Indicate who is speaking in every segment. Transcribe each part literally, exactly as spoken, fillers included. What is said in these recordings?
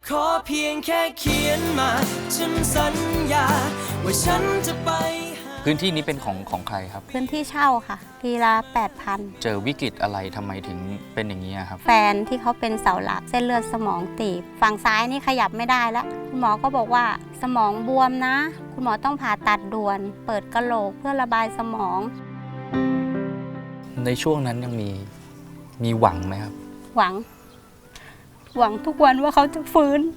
Speaker 1: ขอเพียงแค่เขียนมาฉันสัญญาว่าฉันจะไป
Speaker 2: พื้นที่นี้เป็นของของใครครับ
Speaker 3: พื้นที่เช่าค่ะทีละแปดพัน
Speaker 2: เจอวิกฤตอะไรทำไมถึงเป็นอย่างนี้ครับ
Speaker 3: แฟนที่เขาเป็นเสาหลักเส้นเลือดสมองตีบฝั่งซ้ายนี่ขยับไม่ได้แล้วคุณหมอก็บอกว่าสมองบวมนะคุณหมอต้องผ่าตัดด่วนเปิดกะโหลกเพื่อระบายสมอง
Speaker 2: ในช่วงนั้นยังมีมีหวังไหมครับ
Speaker 3: หวังหวังทุกวันว่าเขาจะฟื้น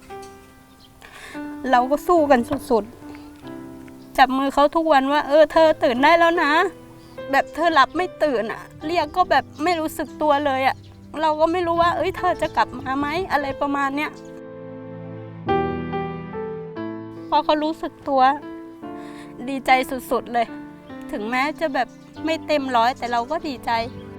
Speaker 3: เราก็สู้กันสุดๆจับมือเขาทุกวันว่าเออเธอตื่นได้แล้วนะแบบเธอหลับไม่ตื่นอ่ะเรียกก็แบบไม่รู้สึกตัวเลยอ่ะเราก็ไม่รู้ว่าเอ้ยเธอจะกลับมาไหมอะไรประมาณเนี้ยพอเขารู้สึกตัวดีใจสุดๆเลยถึงแม้จะแบบไม่เต็มร้อยแต่เราก็ดีใจ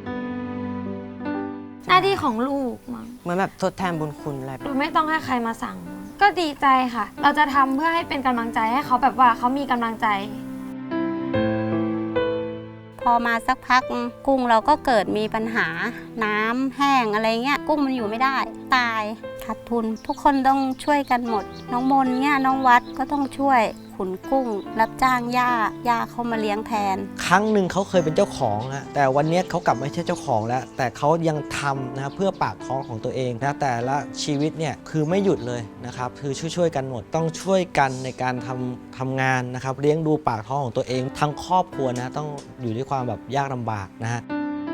Speaker 4: หน้าที่ของลูกมั้ง
Speaker 5: เหมือนแบบทดแทนบุญคุณอะไร
Speaker 4: โดยไม่ต้องให้ใครมาสั่งก็ดีใจค่ะเราจะทำเพื่อให้เป็นกำลังใจให้เขาแบบว่าเขามีกำลังใจ
Speaker 3: พอมาสักพักกุ้งเราก็เกิดมีปัญหาน้ำแห้งอะไรเงี้ยกุ้งมันอยู่ไม่ได้ตายขาดทุนทุกคนต้องช่วยกันหมดน้องมนเงี้ยน้องวัดก็ต้องช่วยขุนกุ้งรับจ้างย่าย่าเขามาเลี้ยงแทน
Speaker 6: ครั้งหนึ่งเขาเคยเป็นเจ้าของนะแต่วันนี้เขากลับไม่ใช่เจ้าของแล้วแต่เขายังทำนะเพื่อปากท้องของตัวเองนะแต่ละชีวิตเนี่ยคือไม่หยุดเลยนะครับคือช่วยๆกันหมดต้องช่วยกันในการทำทำงานนะครับเลี้ยงดูปากท้องของตัวเองทั้งครอบครัวนะต้องอยู่ด้วยความแบบยากลำบากนะฮะ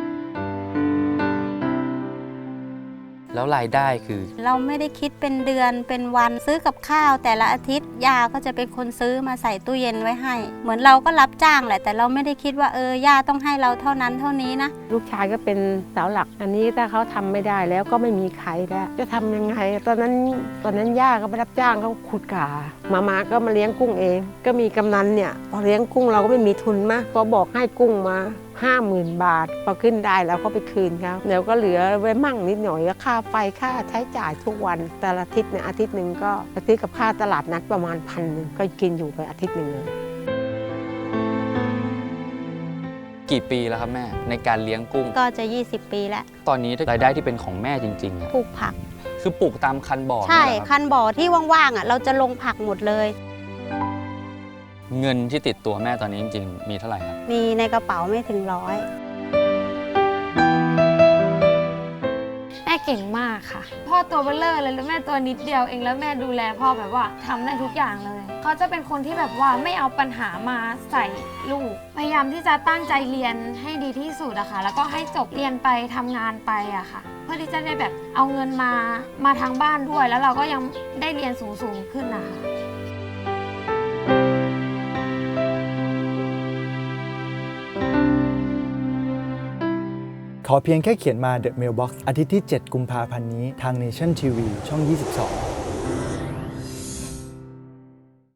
Speaker 2: แล้วรายได้คือ
Speaker 3: เราไม่ได้คิดเป็นเดือนเป็นวันซื้อกับข้าวแต่ละอาทิตย์ย่าก็จะเป็นคนซื้อมาใส่ตู้เย็นไว้ให้เหมือนเราก็รับจ้างแหละแต่เราไม่ได้คิดว่าเออย่าต้องให้เราเท่านั้นเท่านี้นะ
Speaker 7: ลูกชายก็เป็นเสาหลักอันนี้ถ้าเขาทำไม่ได้แล้วก็ไม่มีใครแล้วจะทำยังไงตอนนั้นตอนนั้นย่าก็ไปรับจ้างเขาขุดกามามาก็มาเลี้ยงกุ้งเองก็มีกำนันเนี่ยพอเลี้ยงกุ้งเราก็ไม่มีทุนมากก็บอกให้กุ้งมาห้าหมื่นบาทพอขึ้นได้แล้วก็ไปคืนเขาเดี๋ยวก็เหลือไว้มั่งนิดหน่อยก็ค่าไฟค่าใช้จ่ายทุกวันแต่ละอาทิตย์เนี่ยอาทิตย์หนึ่งก็ไปซื้อกับค่าตลาดนัดประมาณพันหนึ่งก็กินอยู่ไปอาทิตย์หนึ่งเลย
Speaker 2: กี่ปีแล้วครับแม่ในการเลี้ยงกุ้ง
Speaker 3: ก็จะยี่สิบปีแล้ว
Speaker 2: ตอนนี้รายได้ที่เป็นของแม่จริงๆ
Speaker 3: ปลูกผัก
Speaker 2: คือปลูกตามคันบ่อ
Speaker 3: ใช่คันบ่อที่ว่างๆอ่ะเราจะลงผักหมดเลย
Speaker 2: เงินที่ติดตัวแม่ตอนนี้จริงๆมีเท่าไหร่ครับ
Speaker 3: มีในกระเป๋าไม่ถึงร้อย
Speaker 4: แม่เก่งมากค่ะพ่อตัวเบลเลอร์เลยแล้วแม่ตัวนิดเดียวเองแล้วแม่ดูแลพ่อแบบว่าทำได้ทุกอย่างเลยเขาจะเป็นคนที่แบบว่าไม่เอาปัญหามาใส่ลูกพยายามที่จะตั้งใจเรียนให้ดีที่สุดอะค่ะแล้วก็ให้จบเรียนไปทำงานไปอะค่ะเพื่อที่จะได้แบบเอาเงินมามาทางบ้านด้วยแล้วเราก็ยังได้เรียนสูงๆขึ้นนะคะ
Speaker 8: ขอเพียงแค่เขียนมา The Mailbox อาทิตย์ที่ เจ็ด กุมภาพันธ์นี้ทาง Nation ที วี ช่อง ยี่สิบสอง